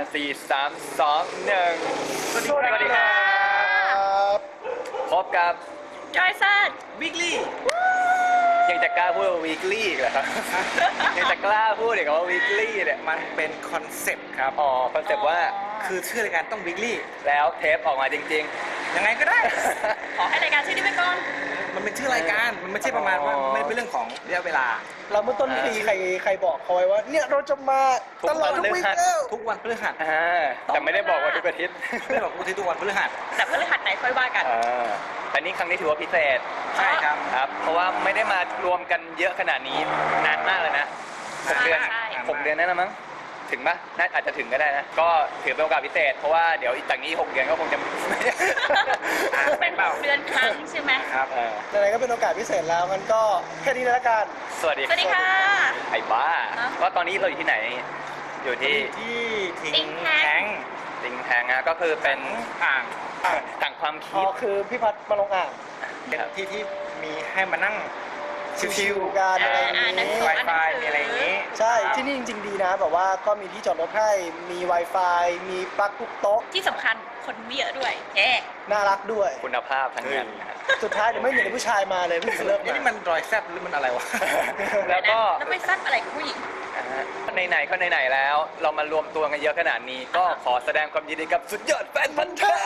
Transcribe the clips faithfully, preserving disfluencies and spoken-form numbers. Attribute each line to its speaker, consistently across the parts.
Speaker 1: สี่สามสองหนึ่งสวัสดีครับพบกับ
Speaker 2: จอยซัด
Speaker 3: วิกลี่
Speaker 1: ยังจะกล้าพูดว่า weekly อีกเหรอครับ ยังจะกล้าพูดอีกว่า weekly เนี่ย
Speaker 3: มันเป็นคอนเซ็ปต์ครับ
Speaker 1: อ๋อคอนเซ็ปต์ว่า
Speaker 3: คือชื่อรายการต้องวิกลี่
Speaker 1: แล้วเทปออกมาจริง
Speaker 3: ๆยังไงก็ได้
Speaker 2: ขอให้รายการชื่อนี้ไปก่อน
Speaker 3: มันเป็นชื่อรายการมันไม่ใช่ประมาณว่าไม่เป็นเรื่องของระยะเวลา
Speaker 4: เราเมื่อต้นปีใครใครบอกเขาไว้ว่าเนี่ยเราจะมาตลอดทุกวีค
Speaker 3: ทุกวันพฤหัส
Speaker 1: แต่ไม่ได้บอกว่าทุกอาทิตย์
Speaker 3: ไม่ได้บอกทุกอาทิตย์ทุกวันพฤหัส
Speaker 2: แต่พฤหัสไหนค่อยว่ากัน
Speaker 1: อันนี้ครั้งนี้ถือว่าพิเศษ
Speaker 3: ใช่ครับ
Speaker 1: ครับเพราะว่าไม่ได้มารวมกันเยอะขนาดนี้นานมากเลยนะหกเดือนหกเดือนนั่นละมั้งถึงปะน่าอาจจะถึงก็ได้นะก็ถือเป็นโอกาสพิเศษเพราะว่าเดี๋ยวอีกจากนี้หกเดือนก็คงจะ
Speaker 2: เป็นเดือนครั้งใช่ไหม
Speaker 1: ครับ
Speaker 4: อะไรก็เป็นโอกาสพิเศษแล้วมันก็แค่นี้แล้วกัน
Speaker 1: สวัสดี
Speaker 2: สวัสดีค่ะ
Speaker 1: ไอ้บ้าก็ตอนนี้เราอยู่ที่ไหนอยู่ที่
Speaker 3: ที่
Speaker 2: ทิ้งแทง
Speaker 1: ทิ้งแทงนะก็คือเป็นอ่างต่างความคิด
Speaker 4: อ๋อคือพี่พัดมาลงอ่าง
Speaker 3: เป็นที่ที่มีให้มานั่งชิว
Speaker 4: ๆกันอะไรอย่างนี้
Speaker 3: Wi-Fi มีอะไรอย่างนี้
Speaker 4: ใช่ที่นี่จริงๆดีนะแบบว่าก็มีที่จอดรถให้มี Wi-Fi มีปลั๊กทุกโต๊ะ
Speaker 2: ที่สำคัญคนไม่เยอะด้วยเอ๊
Speaker 4: น่ารักด้วย
Speaker 1: คุณภาพทั้งนั้น
Speaker 4: สุดท้ายเดี๋ยวไม่มีผู้ชายมาเลยพี่เลิก
Speaker 3: นี่มันรอยแซบหรือมันอะไรวะ
Speaker 1: แล้วก็
Speaker 2: แล้วไปซัดอะไรกับผู้หญิง
Speaker 1: ไหนๆก็ไหนๆแล้วเรามารวมตัวกันเยอะขนาดนี้ก็ขอแสดงความยินดีกับสุดยอดแฟนพันธุ์แท้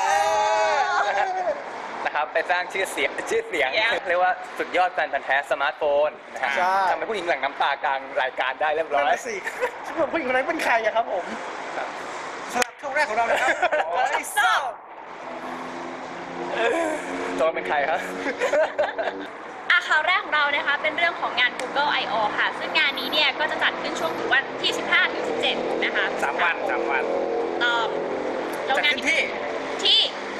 Speaker 1: นะครับไปสร้างชื่อเสียงชื่อเสียงเรียกว่าสุดยอดแฟนพันธุ์แท้สมาร์ทโฟนนะฮะทำให้ผู้หญิงหลั่งน้ำตากลางรายการได้เรียบร้อย
Speaker 4: สิผู้หญิงคนนั้นเป็นใครอะครับผม
Speaker 3: สำหรับช่วงแรกของเรานะครับไอ้ซ่า
Speaker 1: ตัวเป็นใครครับ
Speaker 2: อ่ะข่าวแรกของเรานะคะเป็นเรื่องของงาน Google ไอ โอ ค่ะซึ่งงานนี้เนี่ยก็จะจัดขึ้นช่วงวันที่สิบห้าถึงสิบเจ็ดนะคะ
Speaker 3: สามวันสามวัน
Speaker 2: ต่อ
Speaker 3: แล้วงานที่
Speaker 2: ที่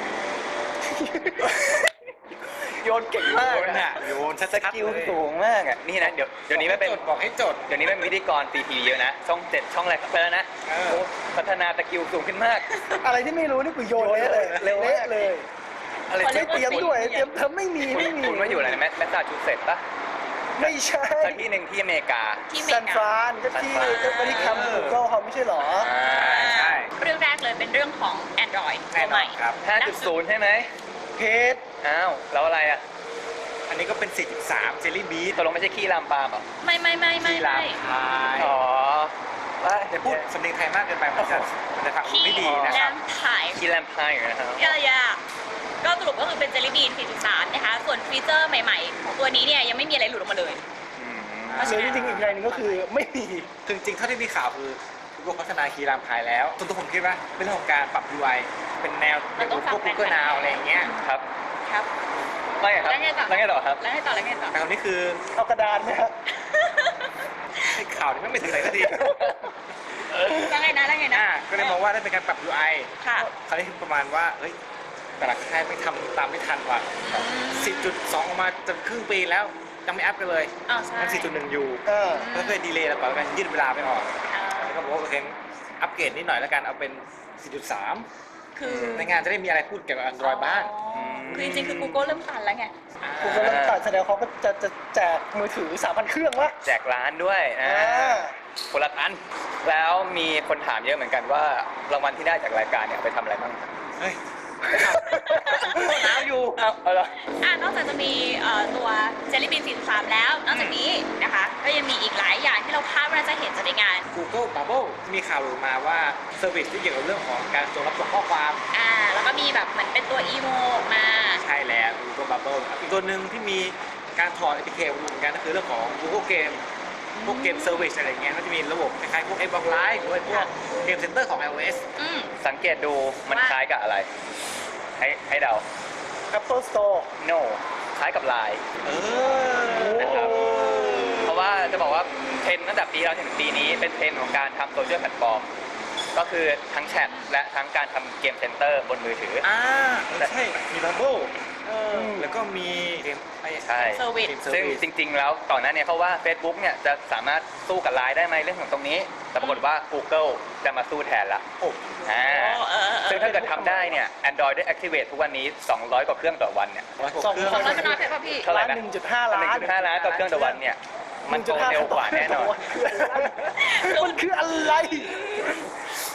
Speaker 1: โยนเก่งมาก
Speaker 3: นะโยนส
Speaker 1: กิลสูงมากอ่ะนี่นะเดี๋ยวเดี๋ยวนี้ไม่เป็น
Speaker 3: บอกให้จด
Speaker 1: เดี๋ยวนี้เป็นพิธีกรตีทีเยอะนะช่องเจ็ดช่องอะไรไปแล้วนะพัฒนาสกิลสูงขึ้นมาก
Speaker 4: อะไรที่ไม่รู้นี่คือโยนเลยเละเลยอะไรไม่เตรียมด้วยเตรียมเธอไม่มีไม่มี
Speaker 1: คุณว่าอยู่อะไรแมแมสซาชูเซตส์ปะ
Speaker 4: ไม่ใช่
Speaker 1: ที่หนึ่งที่อเมริกา
Speaker 4: ซานฟรานก็ที่ก็ไม่ได้ทำ Google เขาไม่ใช่หรอ
Speaker 1: ใช่
Speaker 2: เรื่องแรกเลยเป็นเรื่องของ Android ตัวใหม่
Speaker 1: ครับ ห้าจุดศูนย์ ใช่ไหม
Speaker 4: เพจ
Speaker 1: อ้าวแล้วอะไรอ่ะ
Speaker 3: อันนี้ก็เป็น สี่จุดสาม เจลลี่บีท
Speaker 1: ตกลงไม่ใช่ขี้ลามปามหรอ
Speaker 2: ไม่ไม่ไม่ไม่
Speaker 3: ขี้ลามพาย
Speaker 1: อ๋อ
Speaker 3: ว่าจะพูดสำเนียงไทยมากเกินไปมันจะมันจะทำไม่ดีนะครับ
Speaker 1: ขี้ลามพายนะครับ
Speaker 2: ยายาก็สรุปก็คือเป็นเจลลี่บีน สี่จุดสาม นะคะส่วนฟีเจอร์ใหม่ๆของตัวนี้เนี่ยยังไม่มีอะไรหลุดออกมาเลย
Speaker 4: หรือจริงๆอีกอย่างนึงก็คือไม่มี
Speaker 3: จริงๆเท่าที่มีข่าวคือGoogle พัฒนาคีย์รามพายแล้วส่วนตัวผมคิดว่าเป็นเรื่องของการปรับ ยู ไอ เป็นแนวเป็นพวก Google Now อะไรอย่างเงี้ย
Speaker 1: ครับ
Speaker 2: ครับ
Speaker 1: แล้วไงครับแล้วไงต่อแล้วไงต่อครับ
Speaker 2: แล้วไงต่อแล้วไงต่อ
Speaker 3: คำนี้คือ
Speaker 4: เอากระดานไหมครับ
Speaker 3: ไอ้ข่าวนี้ไม่ถึงไหนสักที
Speaker 2: แล้วไงนะแล้วไงนะ
Speaker 3: ก็เลยมองว่าได้เป็นการปรับ ยู ไอ
Speaker 2: ค่ะ
Speaker 3: คราวนี้ประมาณว่าเฮ้ยแต่ละค่ายไม่ทำตามไม่ทันว่ะ สี่จุดสอง ออกมาจนครึ่งปีแล้วยังไม่อัพกันเลยมัน สี่จุดหนึ่ง อยู่ก็เคยดีเลย์แล้วก่อนกันยืดเวลาไปออกแล้วก็บอกว่าโอเคอัปเกรดนิดหน่อยแล้วกันเอาเป็น สี่จุดสาม
Speaker 2: คือ
Speaker 3: ในงานจะได้มีอะไรพูดเกี่ยวกับ Android บ้าง
Speaker 2: คือจริงๆคือ Google เริ่มตันแล้วไง
Speaker 4: Google เริ่มตันแสดงเขาก็จะจะแจกมือถือ สามพัน เครื่องวะ
Speaker 1: แจกร้านด้วยนะคนละอันแล้วมีคนถามเยอะเหมือนกันว่ารางวัลที่ได้จากรายการเนี่ยไปทำอะไรบ้าง
Speaker 3: เฮ้ย
Speaker 1: หนาวอยู่
Speaker 2: เอาละอ่านอกจากจะมีตัว Jelly Bean สี่จุดสาม แล้วนอกจากนี้นะคะก็ยังมีอีกหลายอย่างที่เราคาดว่าจะเห็นจากในงาน
Speaker 3: Google Bubble มีข่าวหลุดมาว่าเซอร์วิสที่เกี่ยวกับเรื่องของการส่งรับส่งข้อความ
Speaker 2: อ่าแล้วก็มีแบบเหมือนเป็นตัวอีโมมา
Speaker 3: ใช่แล้ว Google Bubble อีกตัวหนึ่งที่มีการถอด เอ พี เค เหมือนกันก็คือเรื่องของ Google Game พวกเกมเซอร์วิสอะไรเงี้ยก็จะมีระบบคล้ายๆพวก Xbox Live หรือว่าพวกเกมเซ็นเตอร์ของ iOS
Speaker 1: สังเกตดูมันคล้ายกับอะไรให้ให้เดา
Speaker 4: Apple Store
Speaker 1: no คล้ายกับ ไลน์ เออนะครับเพราะว่าจะบอกว่าเทรนด์ตั้งแต่ปีเราถึงปีนี้เป็นเทรนด์ของการทำโซเชียลแพลตฟอร์มก็คือทั้งแชทและทั้งการทำเกมเซ็นเตอร์บนมือถือ
Speaker 3: อ่าใช่มีบับเบิ้ลแล้วก็มีเกม
Speaker 1: ใช่ซึ่งจริงๆแล้วก่อนหน้านี้เขาว่า Facebook เนี่ยจะสามารถสู้กับ ไลน์ ได้ไหมเรื่องของตรงนี้แต่ปรากฏว่า Google จะมาสู้แทนละ
Speaker 3: โอ้
Speaker 1: อ่าซึ่งถ้าเกิดทำได้เนี่ย Android ได้ Activate ทุกวันนี้สองร้อยกว่าเครื่องต่อวันเนี่ย
Speaker 2: สองร้อยเป็นน้อยไปป่ะพี่
Speaker 1: เท่าไหร่นะ
Speaker 4: หนึ่งจุดห้า ล้าน
Speaker 1: หนึ่งจุดห้า ล้านต่อเครื่องต่อวันเนี่ยมันโตเร็วกว่าแน่นอน
Speaker 4: มันคืออะไร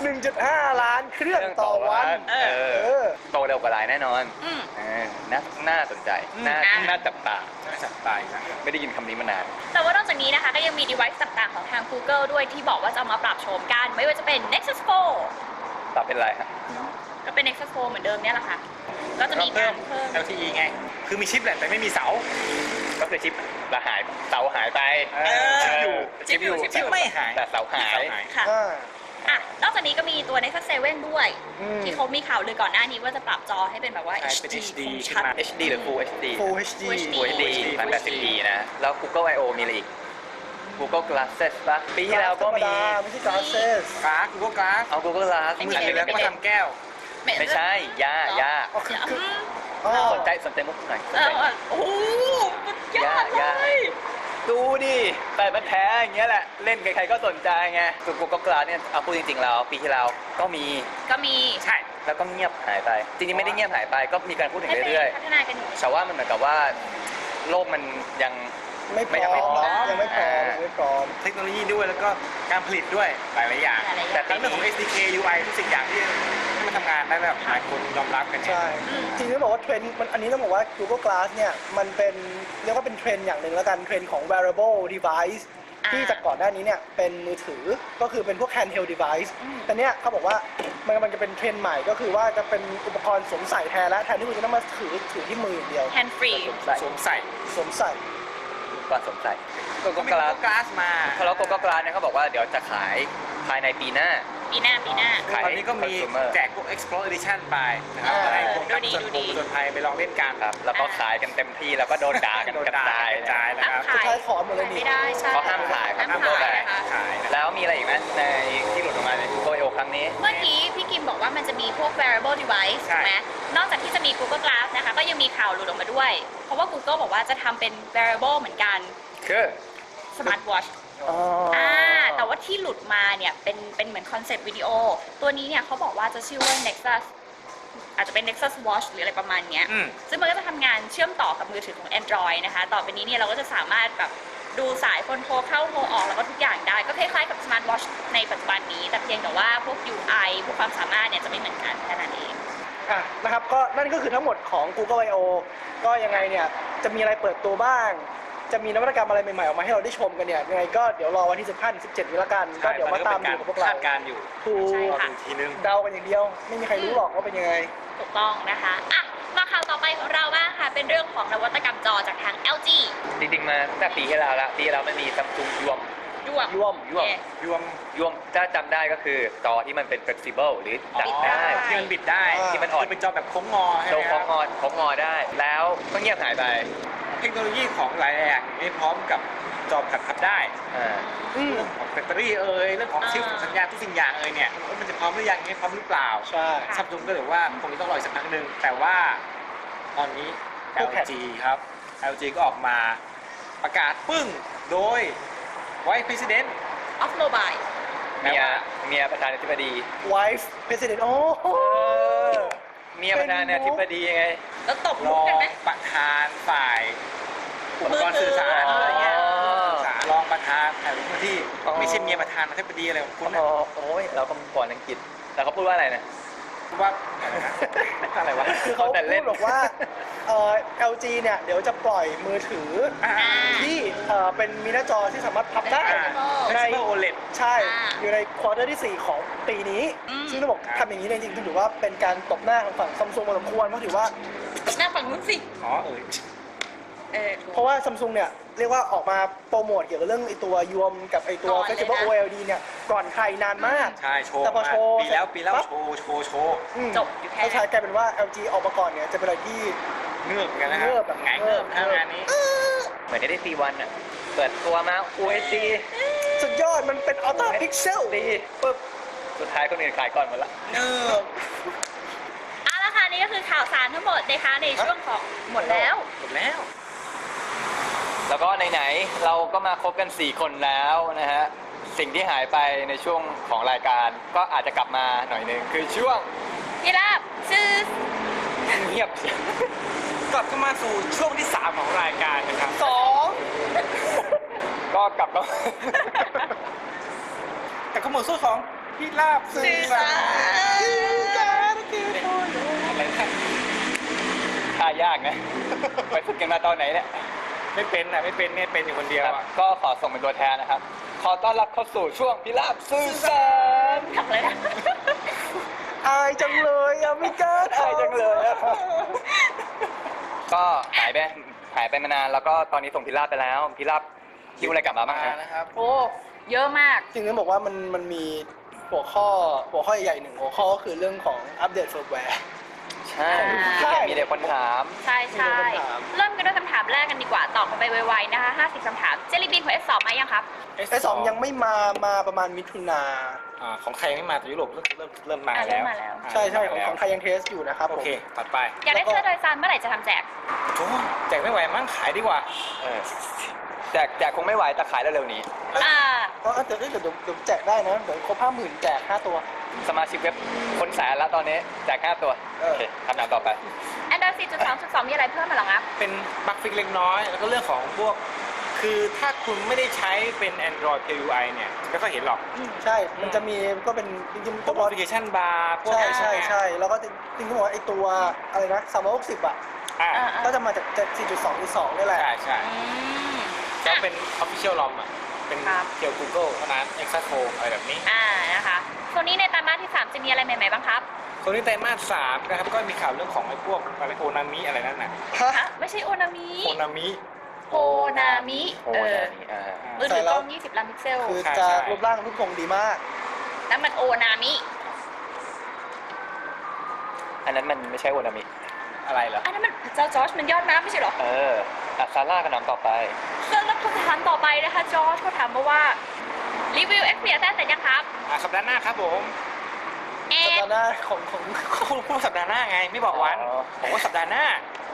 Speaker 4: หนึ่งจุดห้า ล้านเครื่องต่อวัน
Speaker 1: เอ
Speaker 4: เอ
Speaker 1: อ
Speaker 4: อ
Speaker 1: โตเร็วกว่าไลน์แน่นอน
Speaker 2: อืม
Speaker 1: เออน่าน่าสนใจ น่า
Speaker 2: อ่ะ
Speaker 1: น่าจับตา
Speaker 3: น่าจับตายนะ
Speaker 1: ไม่ได้ยินคำนี้มานาน
Speaker 2: แต่ว่านอกจากนี้นะคะก็ยังมี device ต่างๆของทาง Google ด้วยที่บอกว่าจะเอามาปรับโฉมกัน ไม่ว่าจะเป็น Nexus โฟร์
Speaker 1: ปรับเป็นไรฮะ
Speaker 2: ก็เป็น Nexus โฟร์เหมือนเดิมเนี่ยแหละค่ะ ก็จะมีการเพิ่ม
Speaker 3: แอล ที อี ไง คือมีชิปแหละแต่ไม่มีเสา
Speaker 1: ก็คือชิปละหายเสาหายไป
Speaker 3: เออชิปอยู่
Speaker 1: ชิปอยู่
Speaker 2: ชิปอยู่
Speaker 3: ไม่หาย
Speaker 1: แต่เสาหาย
Speaker 2: ค่ะ
Speaker 4: อ่า
Speaker 2: อ่ะ นอกจากนี้ก็มีตัว Nexus เซเว่นด้วย
Speaker 4: อืม
Speaker 2: ที่เขามีข่าวเลยก่อนหน้านี้ว่าจะปรับจอให้เป็นแบบว่า
Speaker 3: ใช่เป็น
Speaker 2: เอช
Speaker 3: เอช
Speaker 2: ดี
Speaker 3: ดี
Speaker 2: คมชัด
Speaker 3: ขึ้นมา
Speaker 1: เอช ดี หรือ Full เอช ดี
Speaker 4: Full เอช ดี
Speaker 1: Full เอช ดี
Speaker 3: Full
Speaker 1: พันแปดสิบ พี นะ แล้ว Google ไอ โอ มีอะไรอีก Google Glasses ปะปีที่แล้วก็มี
Speaker 4: ไม่ใช่ Glasses
Speaker 3: กราฟกูก็กราฟ
Speaker 1: เอา Google Glass
Speaker 3: มือถือแล้วก็มาทำแก้ว
Speaker 1: ไม่ใช่ ย่า ย่า
Speaker 4: อ๋อคือคือ
Speaker 2: อืม
Speaker 4: อ๋อ
Speaker 1: สนใจสนใจมุกหน่อยสน
Speaker 2: เอ
Speaker 1: ใจ
Speaker 2: อเออโอ้โหสุดยอดเล
Speaker 1: ยาก
Speaker 2: ย
Speaker 1: ดูดิแต่มันแท้อย่างเงี้ยแหละ เล่นใครๆก็สนใจไงส่วน Google Glass เนี่ยเอาพูดจริงๆแล้วปีที่แล้วก็มี
Speaker 2: ก็มี
Speaker 3: ใช่
Speaker 1: แล้วก็เงียบหายไป จริงๆไม่ได้เงียบหายไป ก็มีการพูดถึง
Speaker 2: ให้ไป
Speaker 1: เรื่อย
Speaker 2: พัฒนากันอยู่
Speaker 1: ๆแต่ว่ามันเหมือนกับว่าโลกมันยัง
Speaker 4: ไม่พ
Speaker 1: ไม่
Speaker 4: ร้อ
Speaker 1: ไม่พร้อ
Speaker 4: ม
Speaker 1: ม
Speaker 4: ยังไม่พร้อม
Speaker 1: อ่า
Speaker 4: ยังไม่พร้อม
Speaker 3: เทคโนโลยีด้วยแล้วก็การผลิตด้วยหลายๆอย่าง
Speaker 2: หลายๆอย่าง
Speaker 3: แต่ทั้งเรื่องของ เอส ดี เค ยู ไอ ทุกสิ่งอย่างที่ที่มันทำงานได้แบบหลายคนยอมรับกันเนี่ย
Speaker 4: ใช่
Speaker 2: อืม
Speaker 4: จริงๆต้องบอกว่าเทรนด์มันอันนี้ต้องบอกว่า Google Glass เนี่ยมันเป็นเรียกว่าเป็นเทรนด์อย่างหนึ่งแล้วกันเทรนด์ของ wearable device
Speaker 2: อ่า
Speaker 4: ที่จากก่อนหน้านี้เนี่ยเป็นมือถือก็คือเป็นพวก handheld device
Speaker 2: อืม
Speaker 4: แต่เนี้ยเขาบอกว่ามันมันจะเป็นเทรนด์ใหม่ก็คือว่าจะเป็นอุปกรณ์สวมใส่แทนและแทนที่คุณจะต้องมาถือถือที่มืออย่างเดียว
Speaker 2: แฮนด์ฟรี
Speaker 3: สวมใส่
Speaker 4: สวมใส่
Speaker 1: ก่อนสนใจ
Speaker 3: ก็
Speaker 1: Google
Speaker 3: มี
Speaker 1: Glass
Speaker 3: กราสมา
Speaker 1: แล้ว Google Glass เนี่ยเขาบอกว่าเดี๋ยวจะขายภายในปีหน้า
Speaker 2: ปีหน้าปีหน้า
Speaker 1: ขาย
Speaker 3: ตอนนี้ก็มี
Speaker 1: consumer
Speaker 3: แจกพวก Explore Edition ไปนะครับ
Speaker 4: อ่า
Speaker 3: ให้พวกนัก
Speaker 2: ดูดี
Speaker 3: ผจญ
Speaker 2: ดู
Speaker 3: พ
Speaker 2: ดี
Speaker 3: งผจญภัยไปลองเล่นกัน
Speaker 1: ครับ แล้วก็ขายกันเต็มที่แล้วก็โดนด่ากัน
Speaker 3: โดน
Speaker 1: กระ
Speaker 3: ด่า
Speaker 1: จาย
Speaker 3: กระจายนะครับ
Speaker 4: สุดท้ายขอหมดเลยนี่
Speaker 2: ไม่ได้ใช่
Speaker 1: เขาห้ามขายครับ
Speaker 2: ห้าม
Speaker 1: Google
Speaker 2: ขาย
Speaker 1: Glass
Speaker 2: นะคะ
Speaker 3: ขายนะ
Speaker 1: แล้วมีอะไรอีกไหมในที่หลุดออกมาใน Google ไอ โอ ครั้งนี้
Speaker 2: เมื่อกี้พี่กิมบอกว่ามันจะมีพวก wearable device
Speaker 3: ใช่
Speaker 2: ถูกไหมนอกจากที่จะมี Google Glass นะคะ ก็ยังมีข่าวหลุดออกมาด้วย เพราะว่า Google บอกว่าจะทำเป็น wearable เหมือนกัน
Speaker 1: คือ
Speaker 2: smart watch
Speaker 4: อ๋อ
Speaker 2: อ่า แต่ว่าที่หลุดมาเนี่ยเป็นเป็นเหมือนคอนเซ็ปต์วิดีโอ ตัวนี้เนี่ยเขาบอกว่าจะชื่อว่า Nexus อาจจะเป็น Nexus Watch หรืออะไรประมาณเนี้ย
Speaker 3: อืม
Speaker 2: ซึ่งมันก็จะทำงานเชื่อมต่อกับมือถือของ Android นะคะ ต่อไปนี้เนี่ยเราก็จะสามารถแบบดูสายคนโทรเข้าโทรออกแล้วก็ทุกอย่างได้ ก็คล้ายๆกับ Smart Watch ในปัจจุบันนี้ แต่เพียงแต่ว่าพวก ยู ไอ พวกความสามารถเนี่ยจะไม่เหมือนกันแค่นั้นเอง
Speaker 4: อ่ะนะครับก็นั่นก็คือทั้งหมดของ Google ไอ โอ ก็ยังไงเนี่ยจะมีอะไรเปิดตัวบ้าง จะมีนวัตกรรมอะไรใหม่ๆออกมาให้เราได้ชมกันเนี่ยยังไงก็เดี๋ยวรอวันที่สิบห้าถึงสิบเจ็ดนี้ละกันก็เดี๋ยวมาตามดูกับพวกเรา
Speaker 3: คาดการณ์อยู่
Speaker 4: ถู
Speaker 2: ใช่
Speaker 4: ก
Speaker 3: รอ
Speaker 2: ค่ะ
Speaker 3: ดูอีกทีนึง
Speaker 4: เดากันอย่างเดียว ไม่มีใครรู้หรอกว่าเป็นยังไง
Speaker 2: ถูกต้องนะคะอ่ะมาข่าวต่อไปของเราบ้างค่ะ เป็นเรื่องของนวัตกรรมจอจากทาง แอล จี
Speaker 1: จริงๆมาตั้งแต่ปีที่แล้วละปีที่แล้วมันมี Samsung ยวม
Speaker 2: ร่วม
Speaker 4: ร่วม
Speaker 1: ยวม
Speaker 2: เย้
Speaker 3: ยวม
Speaker 1: ยวมถ้าจำได้ก็คือจอที่มันเป็น flexible หรือจัด
Speaker 2: บิดได้
Speaker 1: ได้
Speaker 3: ที่มันบิดได้
Speaker 4: อ่า
Speaker 1: ที่มันอ่อน
Speaker 3: คือเป็นจอแบบโค้งงอใช่
Speaker 1: โด
Speaker 3: ไหม
Speaker 1: ง
Speaker 3: ค
Speaker 1: ของ
Speaker 3: รับ
Speaker 1: งอของงอได้ แล้วก็เงียบหายไป
Speaker 3: เทคโนโลยีของหลายอย่างนี้พร้อมกับจอผัดพับได้
Speaker 1: อ่า
Speaker 4: อืม
Speaker 3: เรื่องของแบตเตอรี่เอ่ยเรื่องของชิปสัญญาณทุกสิ่งอย่างเอ่ยเนี่ยมันจะพร้อมหรือยังไม่พร้อมหรือเปล่า
Speaker 4: ใช่
Speaker 3: ซัมซุงก็เลยว่าคงจะต้องรออีกสักพักหนึ่งแต่ว่าตอนนี้
Speaker 4: พวกแผ่น
Speaker 3: แอล จี ครับ แอล จี ก็ออกมาประกาศปึ้งโดย Vice President
Speaker 2: ออฟโมบาย
Speaker 1: เมียเมียประธานาธิบดี
Speaker 4: wife president โอ้โห
Speaker 1: เมียประธานาธิบดีไง
Speaker 2: แล้วตบ
Speaker 3: ร
Speaker 2: มุก
Speaker 3: อ
Speaker 2: กัน
Speaker 3: ง
Speaker 2: ไหม
Speaker 3: ประธานฝ่ายอุปกรณ์สื่อสาร
Speaker 1: มือถืออ
Speaker 3: อะไรเงี้ย
Speaker 1: อ๋อ
Speaker 3: สื่อสารรองประธานแต่ละที่
Speaker 1: อ๋อ
Speaker 3: ไม่ใช่เมียประธานอธิบดีอะไรของคุณนะ
Speaker 1: อ๋อโอ้ยเราก็ก่อนอังกฤษแต่เขาพูดว่าอะไรนะ
Speaker 3: ว่าอะไรนะอะไรวะ
Speaker 4: คือเขา
Speaker 1: เขาแต่
Speaker 4: พู
Speaker 1: เล่
Speaker 4: ด
Speaker 1: น
Speaker 4: บอกว่าเอ่อ แอล จี เนี่ยเดี๋ยวจะปล่อยมือถือ
Speaker 3: อ่า
Speaker 4: ที่เอ่อเป็นมีหน้าจอที่สามารถพับได้
Speaker 3: อ่า
Speaker 4: ใน
Speaker 3: Flexible โอ แอล อี ดี
Speaker 4: ใช่
Speaker 2: อ่า
Speaker 4: อยู่ในควอเตอร์ที่สี่ของปีนี้
Speaker 2: อืม
Speaker 4: ซึ่งต้องบอกทำอย่างนี้เนี่ยจริงๆถือว่าเป็นการตบหน้าของฝั่งซัมซุงพอสมควรเพราะถือว่า
Speaker 2: หน้าฝั่งนู้นสิ
Speaker 3: อ๋อเออ
Speaker 2: เออถูก
Speaker 4: เพราะว่าซัมซุงเนี่ยเรียกว่าออกมาโปรโมทเกี่ยวกับเรื่องไอตัวยวมกับไอตัว
Speaker 2: ก่อนเลยนะ
Speaker 4: Flexible โอ แอล อี ดี เนี่ยก่อนใครนานมาก
Speaker 3: ใช่โชว์
Speaker 4: แต่พอ
Speaker 3: มา
Speaker 4: โชว์
Speaker 3: ปีแล้วปีแล้ว
Speaker 4: ปั๊บ
Speaker 3: โชว์โชว์โชว์
Speaker 4: อืม
Speaker 2: จบอยู่แค่
Speaker 4: แล้วใช้กลายเป็นว่า แอล จี ออกมาก่อนเนี่ยจะเป็นอะไรที่
Speaker 3: เงือบกันนะครั
Speaker 4: เงือบแบบ
Speaker 3: ไงเงือบ
Speaker 4: เงือบ
Speaker 3: ทำงานนี้
Speaker 1: เหมือนได้ซีวันอ่ะ เปิดตัวมา ฟูล เอช ดี
Speaker 4: สุดยอดมันเป็นอัลตร้าพิกเซล
Speaker 1: ดีปุ๊บ สุดท้ายคนอื่นขายก่อนหมดละ
Speaker 3: เงือบ
Speaker 2: เอาละค่ะนี่ก็คือข่าวสารทั้งหมดนะคะในช่วงของหมดแล้ว
Speaker 3: หมดแล้ว
Speaker 1: แล้วก็ไหนๆเราก็มาครบกัน สี่ คนแล้วนะฮะ สิ่งที่หายไปในช่วงของรายการก็อาจจะกลับมาหน่อยหนึงคือช่วง
Speaker 2: พี่ราบชื่อ
Speaker 1: เงียบ
Speaker 3: กลับเข้ามาสู่ช่วงที่สามของรายการนะครับ
Speaker 4: สอง
Speaker 1: ก็กลับมา
Speaker 3: แต่ก็หมดสู้ของพิราบสื่อสารอะไรนะ
Speaker 1: ท่ายากนะ ไปฝึกกันมาตอนไหนเนี่ย
Speaker 3: ไม่เป็นอ่ะไม่เป็นเนี่ยเป็นอยู่คนเดียว
Speaker 1: ครับ
Speaker 3: อ่ะ
Speaker 1: ก็ขอส่งเป็นตัวแทนนะครับ ขอต้อนรับเข้าสู่ช่วงพิราบสื่อสาร
Speaker 2: ทำเลยนะ
Speaker 4: อายจังเลยอะไม่กล้า
Speaker 1: อายจังเลยอะ ก็หายไปหายไปมานานแล้วก็ตอนนี้ส่งพิราบไปแล้วพิราบคิวอะไรกลับมาบ้าง
Speaker 3: มา
Speaker 1: ฮะ
Speaker 3: นะครับ
Speaker 2: โอ้ เยอะมาก
Speaker 4: จริงๆบอกว่ามันมันมีหัวข้อหัวข้อใหญ่ๆหนึ่งหัวข้อก็คือเรื่องของอัปเดตเฟิร์มแวร์
Speaker 1: ใช่
Speaker 2: ใช่
Speaker 1: มีเด็กคนถาม
Speaker 2: ใช่ใช่
Speaker 4: มีคำถาม
Speaker 2: เริ่มกันด้วยคำถามแรกกันดีกว่า ตอบกันไปไวๆนะคะห้าสิบคำถาม เจลลี่บีนของ เอส สองมายังครับ
Speaker 4: ไอสองยังไม่มามาประมาณมิถุนา
Speaker 3: อ่าของไทยยังไม่มาแต่ยุโรปเริ่มเริ่มเริ่มมา
Speaker 2: อ่ะเริ่
Speaker 3: แล้ว
Speaker 2: มมาแล้ว
Speaker 4: ใช่ใช่ของ
Speaker 3: มาแล้ว
Speaker 4: ของไทยยังเทสอยู่นะครับ
Speaker 3: โอ
Speaker 4: ผม
Speaker 3: เคตัดไป
Speaker 2: อยากได้เสื้อโดยสารเมื่อไหร่จะทำแจก
Speaker 3: โอ้แจกไม่ไหวมั้งขายดีกว่า
Speaker 1: เออแจกแจกคงไม่ไหวแต่ขายเร็วๆนี้
Speaker 2: อ่า
Speaker 4: ก็เดี๋ยวเดี๋ยวเดี๋ยวเดี๋ยวแจกได้นะเดี๋ยวครบห้าหมื่นแจกห้าตัว
Speaker 1: สมาชิกเว็บคนแสนแล้วตอนนี้แจกห้าตัว
Speaker 4: เออ
Speaker 1: โอเคคำถามต่อไป
Speaker 2: Android สี่จุดสองจุดสอง มีอะไรเพิ่มมาหรอครับ
Speaker 3: เป็นบั๊กฟิกเล็กน้อย แล้วก็เรื่องของพวก คือถ้าคุณไม่ได้ใช้เป็น Android เค ยู ไอ เนี่ยไม่ค่อยเห็นหรอก
Speaker 4: ใช่ มันจะมีก็เป็นจริงๆ
Speaker 3: พ
Speaker 4: ตัว ว
Speaker 3: กแอปพลิเคชันบาร์พวก
Speaker 4: ใช่ใช่ใช่แล้วก็จริงๆต้องบอกว่าไอตัวอะไรนะสามร้อยหกสิบอ่ะ
Speaker 3: อ่า
Speaker 2: อ่า
Speaker 4: ก็จะมาจากจากสี่จุดสองจุดสองนี่แหละ
Speaker 3: ใช่ใช่
Speaker 2: อืม
Speaker 3: ก็เป็น Official ROM อ่ะ เป็น
Speaker 2: ครับ
Speaker 3: เกี่ยว Google เท่านั้น Exaco อะไรแบบนี้
Speaker 2: อ่า นะคะโซนนี้ในไตรมาสที่สามจะมีอะไรใหม่ๆบ้างครับ
Speaker 3: ส่วนนี้ไตรมาสสามนะครับ ก็มีข่าวเรื่องของไอ้พวกอะไรโอนามิอะไรนั่นน่ะ
Speaker 4: ฮะ
Speaker 2: ฮะ ไม่ใช่โอนามิ
Speaker 3: โอนามิ
Speaker 2: โอนามิ
Speaker 1: โอ้
Speaker 2: เออ
Speaker 1: นี่อ่า
Speaker 2: มือถือกล้องยี่สิบล้านพิกเซล
Speaker 4: คือ
Speaker 3: ใช่
Speaker 4: จะ
Speaker 3: ใช่
Speaker 4: รูปร่างรูปทรงดีมาก
Speaker 2: นั่นมันโอนามิ
Speaker 1: อันนั้นมันไม่ใช่โอนามิ
Speaker 3: อะไรเหรอ
Speaker 2: อันนั้นมันเจ้าจอร์จมันยอดมากไม่ใช่เหรอ
Speaker 1: เอออัซาร่ากับน้ำต่อไป
Speaker 2: แล้วคำถามต่อไปนะคะจอร์จเขาถามมาว่า รีวิว Xperia เสร็จยังครับ
Speaker 3: อ่ะสัปดาห์หน้าครับผม
Speaker 2: เอ
Speaker 4: สัปดาห์หน้าของของ
Speaker 3: คุณพูดสัปดาห์หน้าไง ไม่บอกวัน
Speaker 1: อ๋อ
Speaker 3: ผมว่าสัปดาห์หน้า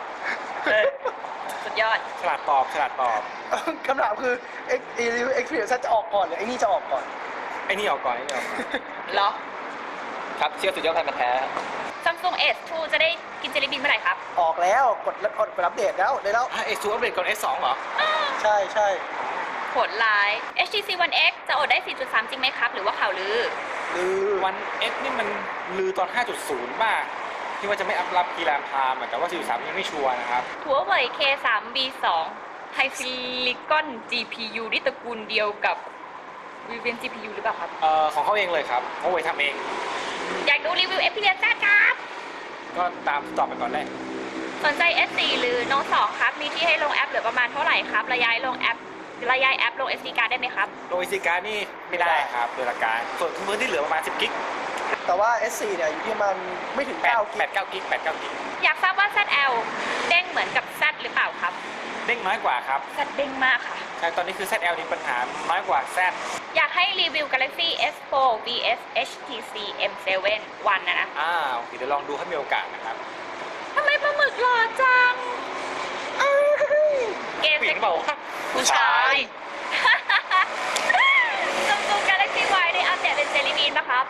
Speaker 2: สุดยอด
Speaker 3: ฉลาดตอบฉลาดตอบ
Speaker 4: คำถามคือเอ็กซ์รีวิวเอ็กซ์เพรียจะออกก่อนหรือไอ้นี่จะออกก่อน
Speaker 3: ไอ้นี่ออกก่อนไอ้นี่ออกก่อน
Speaker 2: เหรอ
Speaker 1: ครับเชื่อสุดยอดพันธุ์แท้
Speaker 2: Samsung เอส ทู จะได้กินเจลลี่บีนเมื่อไหร่ครับ
Speaker 4: ออกแล้วกดกดกดอัปเดตแล้วได้แล้ว
Speaker 3: อ่ะเอสซูอัปเดตก่อน เอส สองเหรอ
Speaker 4: ใช่ใช่
Speaker 2: โหดร้าย เอช ที ซี วัน เอ็กซ์ จะอดได้ สี่จุดสาม จริงไหมครับ หรือว่าข่าวลือ
Speaker 4: หรือ
Speaker 3: วัน X นี่มันลือตอน ห้าจุดศูนย์ ป่ะ ที่ว่าจะไม่อัพรับกีฬาพามอะแต่ว่า สี่จุดสาม ยังไม่ชัวร์นะครับ
Speaker 2: หัวเว่ย เค ทรี บี ทู ไฮซิลิคอน จี พี ยู ที่ตระกูลเดียวกับ Rivian จี พี ยู หรือเปล่าครับ
Speaker 3: เอ่อของเขาเองเลยครับเขาไว้ทำเอง
Speaker 2: อยากดูรีวิว Xperia แซดครับ
Speaker 3: ก็ตามตอบไปก่อนแรก
Speaker 2: สนใจ เอส โฟร์ หรือ Note ทู ครับ มีที่ให้ลงแอปเหลือประมาณเท่าไหร่ครับ ระยายลงแอประยายแอปลง เอส ดี card ได้ไหมครับ
Speaker 3: โดยซีการ์นี่ไม่ได้ครับโดยหลักการ ส่วนพื้นที่เหลือประมาณ สิบ กิก
Speaker 4: แต่ว่า เอส โฟร์ เนี่ยอยู่ที่ประมันไม่ถึง
Speaker 3: แปด
Speaker 4: เก้ากิ
Speaker 3: แป
Speaker 4: ก
Speaker 3: ดเก้ากิกแปดเก้ากิก
Speaker 2: อยากทราบว่า แซด แอล เด้งเหมือนกับ Z หรือเปล่าครับ
Speaker 3: เด้งน้อยกว่าครับ
Speaker 2: Z เด้งมากค่ะ
Speaker 3: ใช่ตอนนี้คือ แซด แอล มีปัญหาน้อยกว่า Z
Speaker 2: อยากให้รีวิว Galaxy เอส โฟร์ วี เอส เอช ที ซี เอ็ม เซเว่น วันนะนะ
Speaker 3: อ่าโอเคเดี๋ยวลองดูถ้ามีโอกาสนะครับ
Speaker 2: ทำไมปลาหมึกหล่อจัง เกม
Speaker 3: ผู้หญิงเปล่าวะ
Speaker 2: ผู้ชาย Samsung Galaxy Y ได้อัปเดตเป็นเจลลี่บีนปะครับ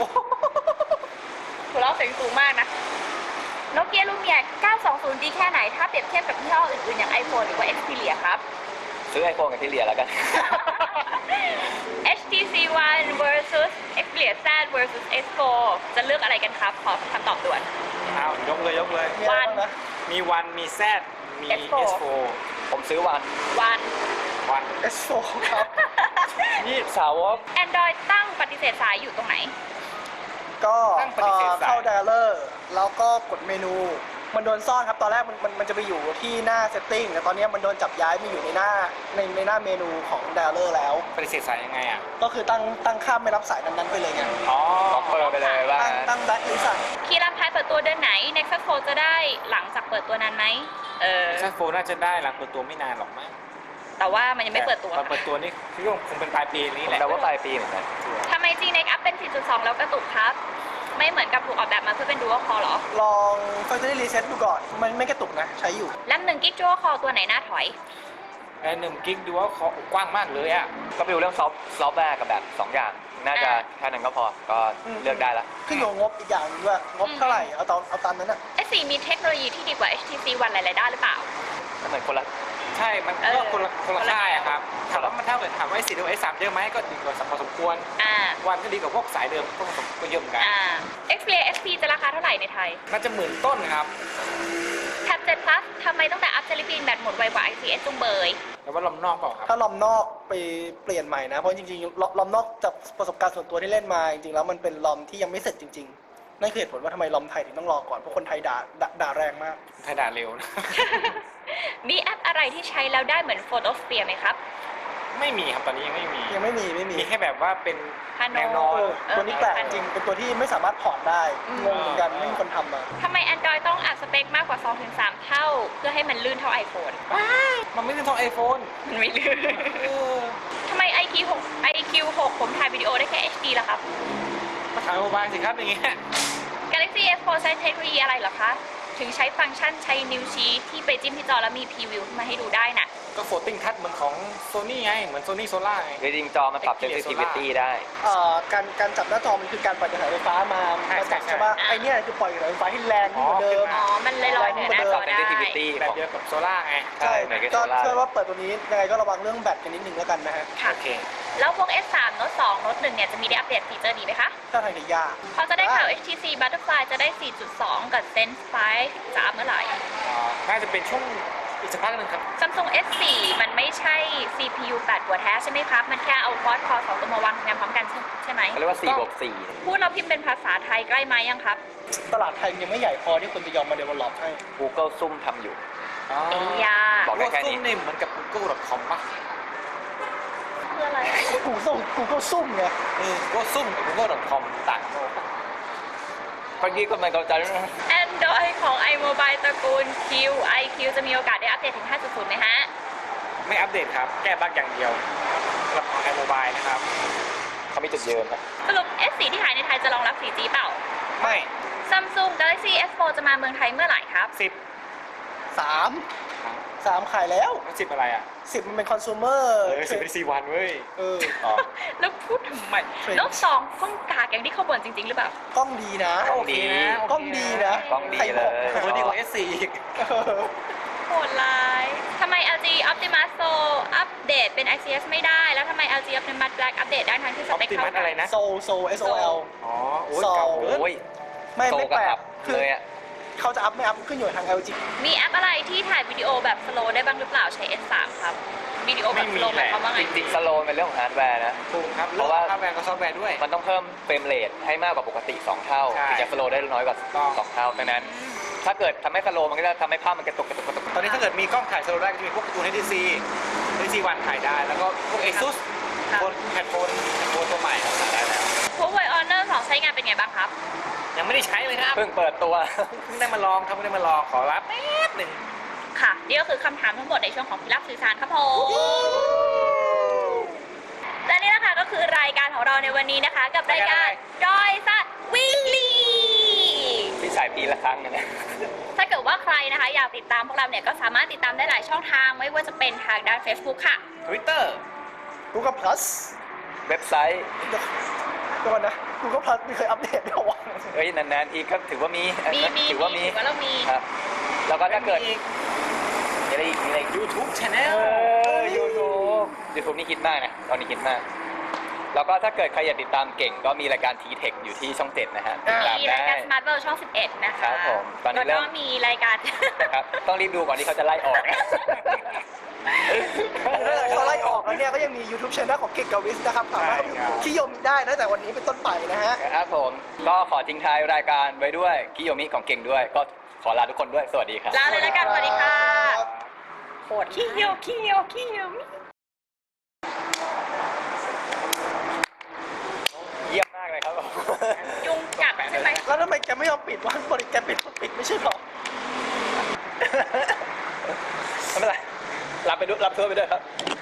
Speaker 2: หัวเราะเสียงสูงมากนะ โนเกียลูเมีย เก้าสองศูนย์ ดีแค่ไหน ถ้าเปรียบเทียบกับยี่ห้ออื่นๆ อย่าง iPhone หรือว่า Xperia ครับ
Speaker 1: ซื้อไอโฟนกับที่เหลียแล้วกัน
Speaker 2: เอช ที ซี วัน versus Xperia Z versus เอส โฟร์ จะเลือกอะไรกันครับ ขอคำตอบด่วน
Speaker 3: เอายกเลยยกเลย
Speaker 4: มีอะไรบ้างนะ
Speaker 3: มีวันมี Z มี
Speaker 2: เอส โฟร์
Speaker 3: เอส โฟร์
Speaker 1: ผมซื้อวัน
Speaker 2: วัน
Speaker 3: วัน
Speaker 4: เอส โฟร์ ครับ
Speaker 1: นี่สาวก
Speaker 2: Android ตั้งปฏิเสธสายอยู่ตรงไหน
Speaker 4: ก็
Speaker 3: ตั้งปฏิเสธสาย
Speaker 4: เข้า dialer แล้วก็กดเมนู มันโดนซ่อนครับ ตอนแรกมันมันมันจะไปอยู่ที่หน้า setting แต่ตอนนี้มันโดนจับย้ายมาอยู่ในหน้าในในหน้าเมนูของ dialer แล้ว
Speaker 3: ปฏิเสธสายยังไงอ่ะ
Speaker 4: ก็คือตั้งตั้งค่าไม่รับสายนั้นๆไปเลยไง
Speaker 3: อ๋อ
Speaker 1: ล็อกเปอร์ไปเลยว่า
Speaker 4: ตั้งตั้งแบ็คลิสต์
Speaker 2: คีรัมพายเปิดตัวเดือนไหน Nexus โฟร์ จะได้หลังจากเปิดตัวนานไหม เออ
Speaker 3: เอ็กซ์โฟน่าจะได้หลังเปิดตัวไม่นานหรอกมั้ง
Speaker 2: แต่ว่ามันยังไม่เปิดตัว
Speaker 3: ตอนเปิดตัวนี่คือคงเป็นปลายปีนี้
Speaker 1: ผม
Speaker 3: แหละ
Speaker 1: เดาว่าปลายปีเหมือนกัน
Speaker 2: ทำไม G Next อัพเป็น สี่จุดสอง แล้วกระตุกครับ ไม่เหมือนกับถูกออกแบบมาเพื่อเป็น Dual Core หรอ
Speaker 4: ลอง factory reset ดูก่อน มันไม่กระตุกนะ ใช้อยู่
Speaker 2: แรมหนึ่งกิก Dual Core ตัวไหนน่าถอย
Speaker 3: ไอ้หนึ่งกิกดูว่าเขากว้างมากเลยอ่ะ
Speaker 1: ก็ไปดูเรื่องซอฟต์ซอฟต์แวร์กับแบบสองอย่าง น่าจะ
Speaker 2: อ่า
Speaker 1: แค่นั้นก็พอ ก็เลือกได้ละ
Speaker 4: ขึ้นอยู่กับงบอีกอย่างหนึงด้วยงบเท่าไหร่ เอาตามเอาตามนั้นอะ
Speaker 2: เอส โฟร์ มีเทคโนโลยีที่ดีกว่า เอช ที ซี วันหลายๆด้านหรือเปล่า
Speaker 1: ก็เหมือนคนละ
Speaker 3: ใช่มัน
Speaker 2: เออ
Speaker 3: ก็คนละคนละ
Speaker 2: คนละ
Speaker 3: ค่ายอะครับถามว่ามันเท่ากับถามว่าไอ้สี่ดูไอ้สามเยอะไหมก็ดีกว่าพอสมควร
Speaker 2: อ่า
Speaker 3: วันก็ดีกว่าพวกสายเดิมก็ผสมก็เยอะเหมือนกัน
Speaker 2: อ่า Xperia เอ็กซ์ พี จะราคาเท่าไหร่ในไทย
Speaker 3: น่าจะหมื่นต้นครับ
Speaker 2: แท็บเจ็ด plus ทำไมต้องแต่อัพเซลิปินแบตหมดไวกว่า ไอ ซี เอส จุงเบย
Speaker 3: แล้วว่าลำนอกเปล่าครับ
Speaker 4: ถ้าลอมนอกไปเปลี่ยนใหม่นะ เพราะจริงๆลลอมนอกจากประสบการณ์ส่วนตัวที่เล่นมาจริงๆแล้วมันเป็นลอมที่ยังไม่เสร็จจริงๆนั่นคือเหตุผลว่าทำไมลอมไทยถึงต้องรอก่อนเพราะคนไทยด่าด่าด่าแรงมาก
Speaker 3: ไทยด่าเร็วนะ
Speaker 2: มีแอปอะไรที่ใช้แล้วได้เหมือน Photosphere ไหมครับ
Speaker 3: ไม่มีครับตอนนี้ยังไม่มี
Speaker 4: ยังไม่มีไม่มี
Speaker 3: มีแค่แบบว่าเป็น
Speaker 2: พาโน
Speaker 3: แนวนอน
Speaker 4: เออตัวนี้แปลกจริงเป็นตัวที่ไม่สามารถถอดได้
Speaker 2: อืม
Speaker 4: งงเหมือนกันไม่มีคนทำมา
Speaker 2: ทำไม Android ต้องอัพสเปคมากกว่า สองถึงสาม เท่า เพื่อให้มันลื่นเท่า iPhone
Speaker 3: มันไม่ใช่ทองไอโฟน
Speaker 2: มันไม่ลื่น ทำไม ไอ คิว หก ไอ คิว หก ผมถ่ายวิดีโอได้แค่ เอช ดี ล่ะครับ
Speaker 3: มาถามโมบายสิครับอย่างเงี้ย
Speaker 2: Galaxy เอส โฟร์ ใช้เทคโนโลยีอะไรเหรอคะ ถึงใช้ฟังก์ชันใช้นิ้วชี้ที่ไปจิ้มที่จอแล้วมีพรีวิวมาให้ดูได้น่ะ
Speaker 3: ก็โฟลติ้งทัชเหมือนของโซนี่ไง เหมือนโซนี่โซล่าไง
Speaker 1: คือจริงๆจอมันปรับ sensitivity ได้
Speaker 4: เอ่อการการจับหน้าจอมันคือการปล่อยกระแสไฟฟ้ามา
Speaker 3: ใช่
Speaker 4: มาจับ
Speaker 3: ใช่
Speaker 4: ใช่ปะ
Speaker 2: ใช่
Speaker 4: ไอเนี้ยคือปล่อยกระแสไฟฟ้าที่แรงขึ้นกว่าเดิม
Speaker 2: อ๋อ มันเลยลอยเหนือหน้าจ
Speaker 1: ป
Speaker 2: อ
Speaker 1: รับ
Speaker 2: ได้
Speaker 1: sensitivity
Speaker 3: แบ
Speaker 1: ข
Speaker 3: บ
Speaker 1: อง
Speaker 3: เดียวกับโซล่าไง
Speaker 1: ใช่เหมือนกับ
Speaker 4: ก็
Speaker 1: โซล่า
Speaker 4: เชื่อว่าเปิดตัวนี้ยังไงก็ระวังเรื่องแบตกันนิดนึงแล้วกันนะฮะ
Speaker 2: ค่ะ
Speaker 3: โอเค
Speaker 2: แล้วพวก เอส สาม Note สอง Note หนึ่งเนี่ยจะมีได้อัปเดตฟีเจอร์นี้ไหมคะ
Speaker 4: ถ้าทางจะยาก
Speaker 2: พอจะได้ข่าว เอช ที ซี Butterfly จะได้ สี่จุดสอง กับ Zenfone ไฟว์จะอัพเมื่อไหร่
Speaker 3: อ่าน่าจะเป็นช่วงอีกสักพักหนึ่งครับ
Speaker 2: Samsung เอส โฟร์ มันไม่ใช่ ซี พี ยู แปด หัวแท้ใช่ไหมครับ มันแค่เอาคอร์ดคอสองตัวมาวางทำงานพร้อมกันใช่ไหม
Speaker 1: เขาเรียกว่าสี่บวกสี่
Speaker 2: พูดเราพิมพ์เป็นภาษาไทยใกล้ไหมยังครับ
Speaker 4: ตลาดไทยยังไม่ใหญ่พอที่คนจะยอมมาเดเวลลอปให้
Speaker 1: Google ซุ่มทำอยู่
Speaker 3: อ๋อ
Speaker 2: เอ้ยา
Speaker 1: บอกได้แค่นี้
Speaker 3: ซุ่มเนี่ยเหมือนกับ กูเกิล ดอท คอม ป่ะ
Speaker 2: เพื่ออะไร
Speaker 4: กูส่งกูก็ซุ่มไง
Speaker 3: เออก็ซุ่มกับ กูเกิล ดอท คอม ต่างโลก
Speaker 1: เมื่อกี้ก็ไม่เข้าใจนะ
Speaker 2: Android ของ iMobile ตระกูล Q ไอ คิว จะมีโอกาสได้อัปเดตถึง ห้าจุดศูนย์ ไหมฮะ
Speaker 3: ไม่อัปเดตครับ แก้บั๊กอย่างเดียวสำหรับของไอโมบายนะครับ
Speaker 1: เขามีจุดยืนนะ
Speaker 2: สรุป เอส โฟร์ ที่ขายในไทยจะรองรับ โฟร์จี เปล่า
Speaker 3: ไม่
Speaker 2: Samsung Galaxy เอส โฟร์ จะมาเมืองไทยเมื่อไหร่ครับ
Speaker 3: สิบ
Speaker 4: สามสามขายแล้ว
Speaker 3: สิบอะไรอ่ะ
Speaker 4: สิบมันเป็นคอน sumer
Speaker 3: เออสิบเป็นสี่วันเว้ย
Speaker 4: เออ
Speaker 1: อ๋อ
Speaker 2: แล้วพูดทำไม
Speaker 4: French
Speaker 2: แล้วสองกล้องกากอย่างที่เขาบ่นจริง ๆ หรือเปล่า
Speaker 4: กล้องดีนะ
Speaker 1: กล้องดี
Speaker 4: กล้องดีนะ
Speaker 1: กล้องดี
Speaker 4: ใครบอก
Speaker 1: เลย
Speaker 3: โอ้ดีกว่า เอส โฟร์ อีก
Speaker 4: เออ
Speaker 2: โหดร้ายทำไม แอล จี Optimus Pro อัปเดตเป็น ไอ ซี เอส ไม่ได้ แล้วทำไม แอล จี Optimus Black อัปเดตได้ทั้งที่ส
Speaker 3: ออป
Speaker 2: เปค
Speaker 3: ติมั
Speaker 2: เท่า
Speaker 3: ส
Speaker 2: กั
Speaker 3: อะไร
Speaker 2: น
Speaker 3: นะ
Speaker 4: โซโซ เอส โอ แอล
Speaker 3: อ๋อ โอ้ย
Speaker 4: ซอ
Speaker 3: เก่าเกิน
Speaker 1: โอ้ย
Speaker 4: ไม่
Speaker 1: โต
Speaker 4: ไม่
Speaker 1: กับ
Speaker 4: แปล
Speaker 1: อั
Speaker 4: ก
Speaker 1: พ
Speaker 4: คือ
Speaker 1: เลยอ่ะ
Speaker 4: เขาจะอัพไม่อัพขึ้นอยู่กับทาง แอล จี
Speaker 2: มีแอปอะไรที่ถ่ายวิดีโอแบบสโลว์ได้บ้างหรือเปล่าใช้ เอส สาม ครับ วิดีโอแบบสโลว์หมายความว่าไง
Speaker 1: จริงๆสโลว์เป็นเรื่องของฮาร์ดแวร์นะ
Speaker 3: ถูกครับ
Speaker 1: เพราะว่า
Speaker 3: ฮาร์ดแวร์กับซอฟต์แวร์ด้วย
Speaker 1: มันต้องเพิ่มเฟรมเรทให้มากกว่าปกติ สอง เท่า
Speaker 3: ใช่
Speaker 1: ถึงจะสโลว์ได้น้อยกว่า
Speaker 3: ต้อง
Speaker 1: สอง เท่าดังนั้น ถ้าเกิดทำให้สโลว์มันก็จะทำให้ภาพมันกระตุกกระตุกกระตุก
Speaker 3: ตอนนี้ถ้าเกิดมีกล้องถ่ายสโลว์ได้ก็จะมีพวกการ์ตูน เอช ดี ซี เอช ดี วันถ่ายได้ แล้วก็พวก ASUS
Speaker 2: ครับ
Speaker 3: บนแพลตฟอร์มแพลตฟอร์มตัวใหม่ก็ถ่ายได้แล้ว
Speaker 2: Huawei Honor สองใช้งานเป็นไงบ้างครับ
Speaker 3: ยังไม่ได้ใช้เลยครับ
Speaker 1: เพิ่งเปิดตัว
Speaker 3: เพิ่งได้มาลองครับเพิ่งได้มาลองขอรับแป๊บหนึ่ง
Speaker 2: ค่ะ นี่ก็คือคำถามทั้งหมดในช่วงของพิรับสื่อสารครับผม และนี่นะคะก็คือรายการของเราในวันนี้นะคะ กับรายการดอยสัตว์วิลลี่
Speaker 1: ที่ฉายปีละครั้งนะ
Speaker 2: ถ้าเกิดว่าใครนะคะ อยากติดตามพวกเราเนี่ยก็สามารถติดตามได้หลายช่องทางไม่ว่าจะเป็นทางด้าน Facebook ค่ะ
Speaker 3: Twitter
Speaker 4: Google Plus
Speaker 1: เว็บไซต์
Speaker 4: เดี๋ยวเดี๋ยวก่อนนะ Google Plus ไม่เคยอัปเดตด้วยวะ
Speaker 1: เอ้ยนานๆทีก็ถือว่ามี
Speaker 2: มีมี
Speaker 1: ถือว่ามี
Speaker 2: ถือว่าเรามี
Speaker 1: ครับ แล้วก็ถ้าเกิดมีอะไรอีกมีอะไรอีก
Speaker 3: YouTube
Speaker 1: เอ
Speaker 3: Channel
Speaker 1: อยูทูบยูทูบนี่คิดมากนะ ตอนนี้คิดมาก แล้วก็ถ้าเกิดใครอยากติดตามเก่งก็มีรายการ ที เทค อยู่ที่ช่องเจ็ดนะฮะติดตาม
Speaker 2: มี
Speaker 1: ได้
Speaker 2: รายการ Smart World ช่อง สิบเอ็ด นะ
Speaker 1: ครั
Speaker 2: คะ
Speaker 1: บผมตอนนี้
Speaker 2: แล้ว
Speaker 1: เริ่
Speaker 2: ก็
Speaker 1: ม
Speaker 2: มีรายการ
Speaker 1: นะครับต้องรีบดูก่อนที่เขาจะไล่ออก
Speaker 4: เขาไล่ออกแล้วเนี่ยก็ยังมี YouTube Channel ของเก่งกับวิสนะครับสามารถ
Speaker 3: ใช่ครับ
Speaker 4: ที่ยมได้นะแต่วันนี้เป็นต้นไปนะฮะ
Speaker 1: ครับผมก็ขอทิ้งท้ายรายการไว้ด้วยกิโยมิของเก่งด้วย ก็ขอลาทุกคนด้วยสวัสดีครับ
Speaker 2: ลาเลยแล้วกันสวัสดีค่ะโหดขี้เหี่ยวขี้เหี่ยวขี้เหี่ยว
Speaker 1: เยี่ยมมากเลยครับผม
Speaker 2: ยุงกัดใช่ไหม
Speaker 4: แล้วทำไมแกไม่ยอมปิดวะบริแกปิดปิดไม่ใช่หรอ
Speaker 1: ไม่เป็นไรรับไปด้วยรับเพื่อไปด้วยครับ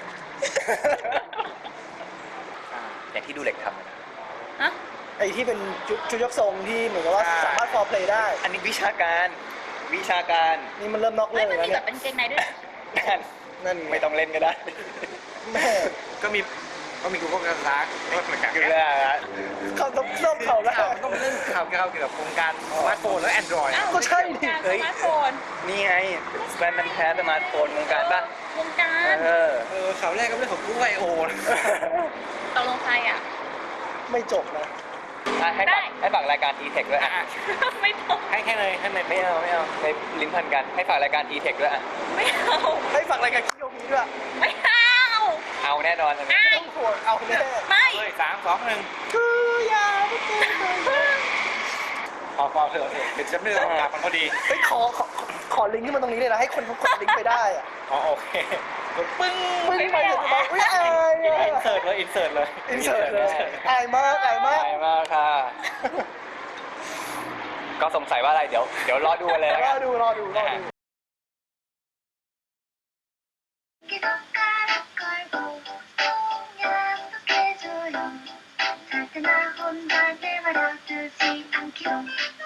Speaker 1: อย่างที่ดูเหล็กทำนะ
Speaker 2: ฮะ
Speaker 4: ไอ้ที่เป็นชุดชุดยกทรงที่เหมือนกับว่าสามารถฟอร์เพลย์ได้
Speaker 1: อันนี้วิชาการวิชาการ
Speaker 4: นี่มันเริ่มนอก
Speaker 2: เฮ้
Speaker 4: เรื่
Speaker 2: ย
Speaker 4: อง
Speaker 2: มัน
Speaker 4: แล้ว
Speaker 2: มีแบ
Speaker 4: เนี่ย
Speaker 2: บเป็นเกงในด้วย
Speaker 1: นั่น
Speaker 4: นั่นไง
Speaker 1: ไม่ต้องเล่นก็ได้
Speaker 4: แม่
Speaker 3: ก็มีก็มี Google Glass ก็เหมือนกัน
Speaker 1: คือเรื่องอะไร
Speaker 4: เขาต้องเริ่มเขาแล้ว
Speaker 3: ข่าวมันต้องเป็นเรื่องข่าวเกี่ยวกับวงการสมาร์ทโฟนและ Android
Speaker 2: อ้าว
Speaker 4: ก็ใช่ดิ
Speaker 2: วงการสมาร์ทโฟน
Speaker 1: นี่ไงแบรนด์มันแท้สมาร์ทโฟนวงการป่ะ
Speaker 2: วงการ
Speaker 1: เออ
Speaker 3: เออข่าวแรกก็เรื่องของ Google ไอ โอ
Speaker 2: ตกลงใครอ่ะ
Speaker 4: ไม่จบนะ
Speaker 1: อ่ะให้
Speaker 2: ได้
Speaker 1: ฝากให้ฝากรายการ e-tech ด้วยอ่ะ
Speaker 2: ไม่ตก
Speaker 3: ให้แค่เลยให้เลย
Speaker 1: ไม่เอาไม่เอาในลิ้นพันกันให้ฝากรายการ e-tech ด้วยอ่ะ
Speaker 2: ไม่เอา
Speaker 4: ให้ฝากรายการคิโยมีด้วย
Speaker 2: ไม่เอา
Speaker 1: เอาแน่นอนอันนี้
Speaker 2: ไม่
Speaker 4: ต้องห่วงเอาแน่
Speaker 2: ไม่
Speaker 3: เฮ้ยสามสองหนึ่ง
Speaker 4: คืออย่าไม่เจอเลย
Speaker 3: พอพอเถอะเถอะเดี๋ยวจะไม่ได้ตรงกลับมันพอดี
Speaker 4: เฮ้ยขอขอขอลิงก์ที่มันตรงนี้เลยนะ ให้คนเขากดลิงก์ไปได้อะ
Speaker 3: อ๋อโอเคกดปึ้ง
Speaker 4: มึงไปเถอะมาอุ้ยอาย
Speaker 3: อินเสิร์ตเลยอินเสิร์ตเลย
Speaker 4: อินเสิร์ตเลยอายมากอายมาก
Speaker 1: ใช่มากค่ะ ก็สงสัยว่าอะไรเดี๋ยวเดี๋ยวรอดูกันเลยแล้ว
Speaker 4: ร
Speaker 1: กั
Speaker 4: อน ดูรอดูรอดู
Speaker 5: けどから恋をやっとけじょよさてな本題で笑う通じ暗記を